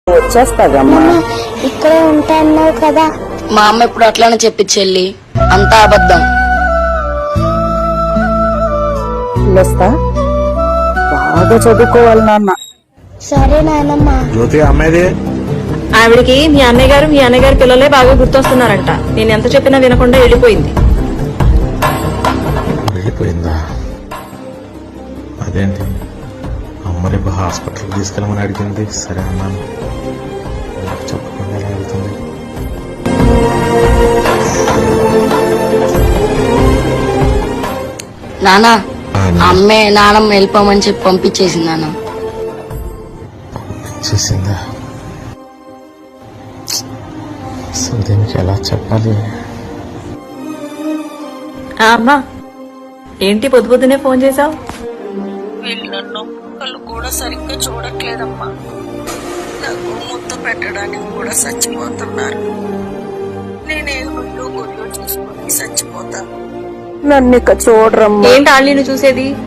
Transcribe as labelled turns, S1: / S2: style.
S1: వచ్చేస్తాదమ్మా.
S2: ఇక్కడే ఉంటాన్నావు కదా.
S3: మా అమ్మ ఇప్పుడు అట్లానే చెప్పి చెల్లి, అంతా అబద్ధం.
S1: వస్తా, బాగా చదువుకోవాలి నాన్న.
S2: సరే నాయనమ్మ.
S4: జ్యోతి అమ్మేది
S5: ఆవిడికి మీ అన్నయ్య గారి పిల్లలే బాగా గుర్తొస్తున్నారంట. నేను ఎంత చెప్పినా వినకుండా వెళ్ళిపోయింది.
S4: వెళ్ళిపోయిందా? అదేంటి అమ్మ రేపు హాస్పిటల్ తీసుకెళ్ళమని అడిగింది. సరే అన్నాను, చెప్పకుండా ఎలా వెళ్తుంది?
S3: నానా, అమ్మే నానమ్మ వెళ్ళిపోమని చెప్పి పంపించేసింది నాన్న.
S4: పంపించేసిందా? అసలు దీనికి ఎలా చెప్పాలి?
S5: అమ్మా, ఏంటి పొద్దు పొద్దునే ఫోన్ చేసావు?
S6: వీళ్ళు నన్ను కళ్ళు కూడా సరిగ్గా చూడట్లేదమ్మా. నాకు ముద్దు పెట్టడానికి కూడా చచ్చిపోతున్నారు. నేనే గుడ్లు గుడ్లు చూసుకొని చచ్చిపోతాను.
S1: నన్ను ఇక చూడరమ్మా.
S5: ఏంటి ఆళ్ళు నిన్ను చూసేది?